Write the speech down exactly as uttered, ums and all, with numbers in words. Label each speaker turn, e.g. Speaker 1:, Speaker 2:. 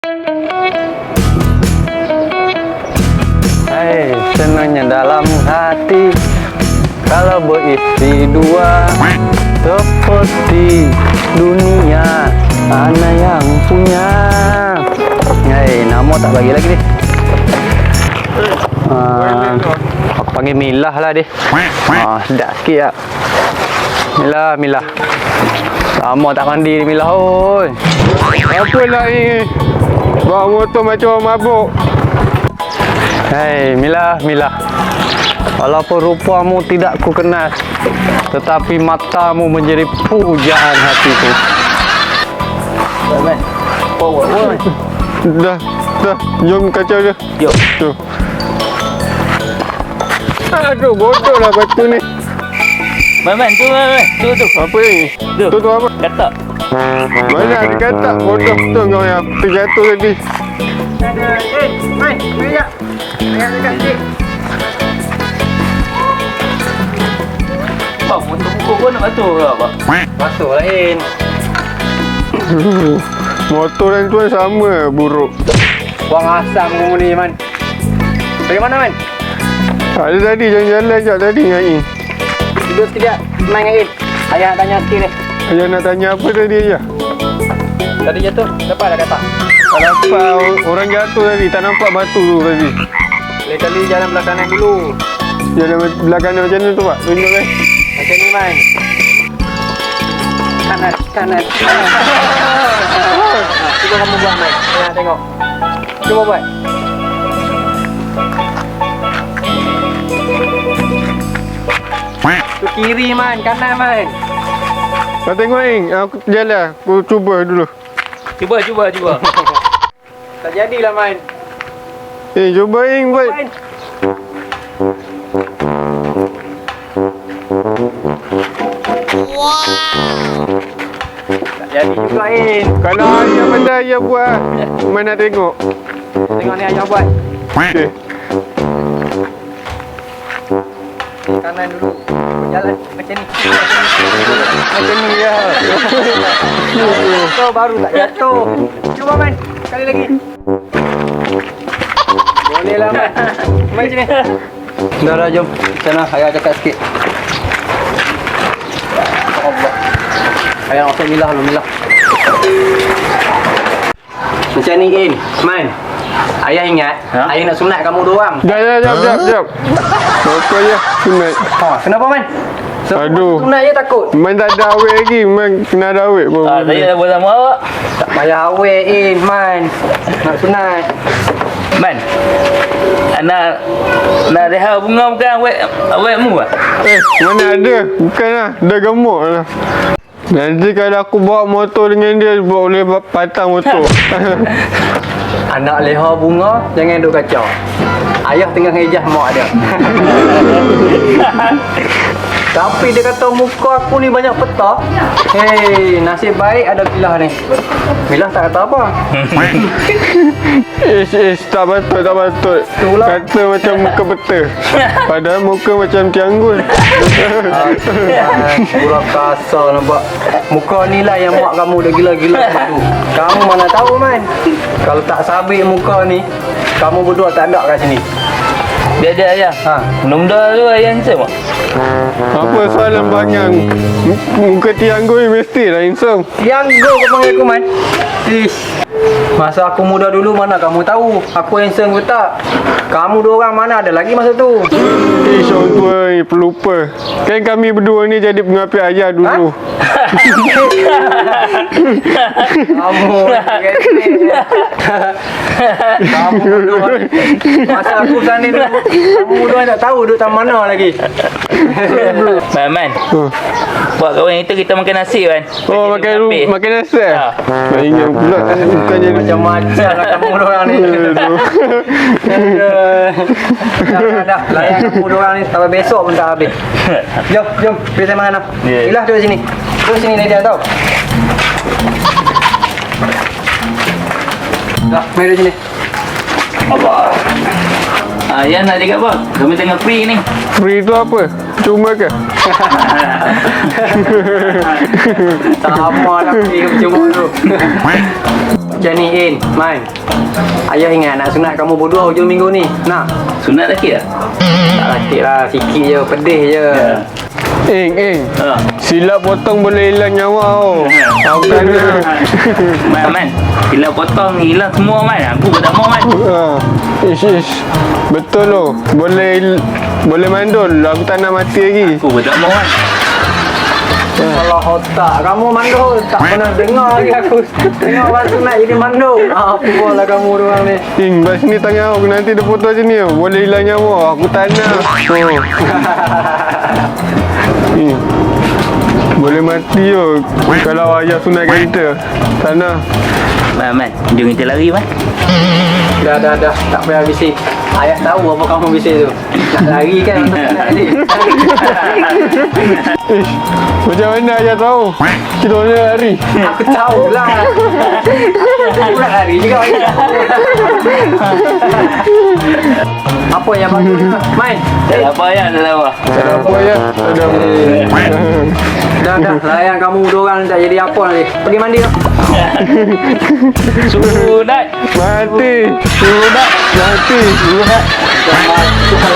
Speaker 1: Hai, senangnya dalam hati kalau beristri dua, seperti dunia mana yang punya. Hai, nama tak bagi lagi nih. Uh, aku panggil Milah lah deh. Ah, sedap sikit tak? Milah, Milah. Lama tak mandi ni Milah, oi.
Speaker 2: Apa lah ni? Bawa motor macam orang mabuk.
Speaker 1: Hei, Milah, Milah. Walaupun rupamu tidak ku kenal, tetapi matamu menjadi pujaan hatiku.
Speaker 2: Dah, dah. Jom kacau dia.
Speaker 1: Yuk.
Speaker 2: Tuh. Aduh, bodoh lah batu ni.
Speaker 3: Man, man, tu, man, man. Tu, tu.
Speaker 2: Apa ni?
Speaker 3: Tu.
Speaker 2: Tu, tu apa?
Speaker 3: Katak.
Speaker 2: Mana ada katak? Bodoh tu kau yang terjatuh tadi.
Speaker 4: Eh, main, main sekejap. Main dekat sikit.
Speaker 3: Bang, motor pukul pun nak basuh ke, Abang?
Speaker 1: Masuk lain.
Speaker 2: Motor dan tuan sama buruk.
Speaker 1: Buang asam kamu ni, Man. Dari mana, Man?
Speaker 2: Ada tadi jalan-jalan sekejap tadi dengan Ain.
Speaker 1: Tidur sekejap. Main dengan Ain. Ayah nak tanya sikit ni.
Speaker 2: Ayah nak tanya apa tadi Ayah?
Speaker 1: Tadi jatuh, dapat dah kata.
Speaker 2: Tak nampak orang jatuh tadi. Tak nampak batu tu tadi.
Speaker 1: Lain kali jalan belah kanan dulu.
Speaker 2: Jalan belah kanan macam mana tu Pak? Tunjuk kan?
Speaker 1: Macam ni, Man. Kanan, kanan, kanan. Ha, cuba kamu buat, Man. Ayah nak tengok. Cuba buat. Tu kiri, Man. Kanan, Man.
Speaker 2: Kau tengok Ain. Aku jalan. Aku cuba dulu.
Speaker 3: Cuba, cuba, cuba.
Speaker 1: Tak jadilah, Man.
Speaker 2: Eh, cuba Ain buat.
Speaker 1: Man. Tak jadi juga, Ain.
Speaker 2: Kalau Ayah pandai Ayah buat. Mana nak tengok?
Speaker 1: Tengok ni ayah buat.
Speaker 2: Okey.
Speaker 1: Kanan dulu. Jalan macam ni. Macam ni ya. Jatuh baru tak jatuh. Cuba, Man. Sekali lagi. Boleh lah, Man. Main sini. Dah dah, jom. Sana ayah cakap sikit. Allah. Ayah nak Milah dulu, Milah. Macam ni, In. Man. Ayah ingat,
Speaker 3: Ha?
Speaker 1: ayah nak sunat kamu dua orang.
Speaker 2: Jap, jap, jap, jap, jap. Apa ya? Sunat.
Speaker 1: Ha, kenapa, Man? Sebab
Speaker 2: Aduh.
Speaker 1: sunat je takut.
Speaker 2: Man tak ada awet lagi. Man kena ada awet pun.
Speaker 3: Ah, saya dah buat sama awak.
Speaker 1: Tak payah awet, In, Man. Nak sunat.
Speaker 3: Man, nak nak rehat bunga bukan awet awetmu ah?
Speaker 2: Eh, mana ada? Bukanlah. Dah gemuk lah. Nanti kalau aku bawa motor dengan dia, boleh patang motor.
Speaker 1: Anak leha bunga, jangan duk kacau. Ayah tengah ngejah mak dia. Tapi dia kata muka aku ni banyak petak. Hei, nasib baik ada Milah ni. Milah tak kata apa.
Speaker 2: Ish, ish, tak patut, tak patut.
Speaker 1: Itulah.
Speaker 2: Kata macam muka peta. Padahal muka macam tianggul.
Speaker 1: Pura kasar nampak. Muka ni lah yang mak kamu dah gila-gila tu. Kamu mana tahu, Man. Kalau tak sabit muka ni, kamu berdua tak ada kat sini.
Speaker 3: Dia ada ayah.
Speaker 1: Ha.
Speaker 3: Benda tu ayah handsome tak?
Speaker 2: Apa soalan bangang? Muka tianggul ni mesti lah handsome.
Speaker 1: Yang go kau panggil aku, Man. Ish. Masa aku muda dulu mana kamu tahu aku handsome ke tak? Kamu dua orang mana ada lagi masa tu?
Speaker 2: Ish, orang tua ni pelupa. Kan kami berdua ni jadi pengapit ayah dulu.
Speaker 1: Kamu Kamu berdua masa aku sana dulu, kamu berdua tak tahu duduk taman mana lagi.
Speaker 3: Man, man.
Speaker 2: Oh,
Speaker 3: Buat kawan kita kita makan nasi kan.
Speaker 2: oh makan ru- makan nasi.
Speaker 3: Ha.
Speaker 2: Tak ingat pula bukan jadi
Speaker 1: Macam-macam lah kamu dua orang ni.
Speaker 2: Aduh.
Speaker 1: Dah, dah, dah. Layan kamu dua orang ni sampai besok pun tak habis. Jom, jom. Pergi saya makan.
Speaker 3: Ya.
Speaker 1: Ilah duduk sini. Duduk sini dia tau. Dah, mari duduk sini.
Speaker 3: Allah. Ayah nak cakap apa? Kami tengah free ni.
Speaker 2: Free tu apa? Cuma ke?
Speaker 1: Sama lah pergi cuma tu. Macam ni In, Man. Ayah ingat nak sunat kamu berdua hujung minggu ni. Nak?
Speaker 3: Sunat lagi tak?
Speaker 1: Tak sakit lah, sikit je, pedih je.
Speaker 3: Ya.
Speaker 2: Ing, Ing.
Speaker 3: Ha.
Speaker 2: Silap potong boleh hilang nyawa tau. Aku tak ada.
Speaker 3: Man, man. Bila potong hilang semua man. Aku pun tak mau man.
Speaker 2: Ha. Ish, ish. Betul loh. Boleh boleh mandul. Aku tak nak mati lagi.
Speaker 3: Aku pun tak mau man.
Speaker 1: Kalau otak kamu mandul, tak pernah dengar lagi aku. Tengok orang sunat jadi mandul. Apa lah kamu orang ni.
Speaker 2: Ing, bas ni tangan aku. Nanti dia potong macam ni. Boleh hilang nyawa. Aku tak nak. Oh. Ing. Boleh mati yo. Kalau ayah sunatkan kita. Tak nak.
Speaker 3: Man, man. Jom kita lari man.
Speaker 1: Dah, dah, dah. Tak payah bising. Ayah tahu apa kamu bising tu. Nak lari kan untuk sunat ni.
Speaker 2: Ish. Macam mana ayah tahu? Kita boleh lari.
Speaker 1: Aku tahu lah. Aku nak lari juga ayah. Apa yang bagus ni? Main.
Speaker 3: Tak ada apa ya, tak ada apa.
Speaker 2: Tak ada apa ayah. Tak ada apa.
Speaker 1: Dah, dah. Layan kamu dua orang tak jadi apa nanti. Pergi mandi lah.
Speaker 3: Sunat.
Speaker 2: Mati. Sunat. Mati. Sunat.
Speaker 1: Jangan masuk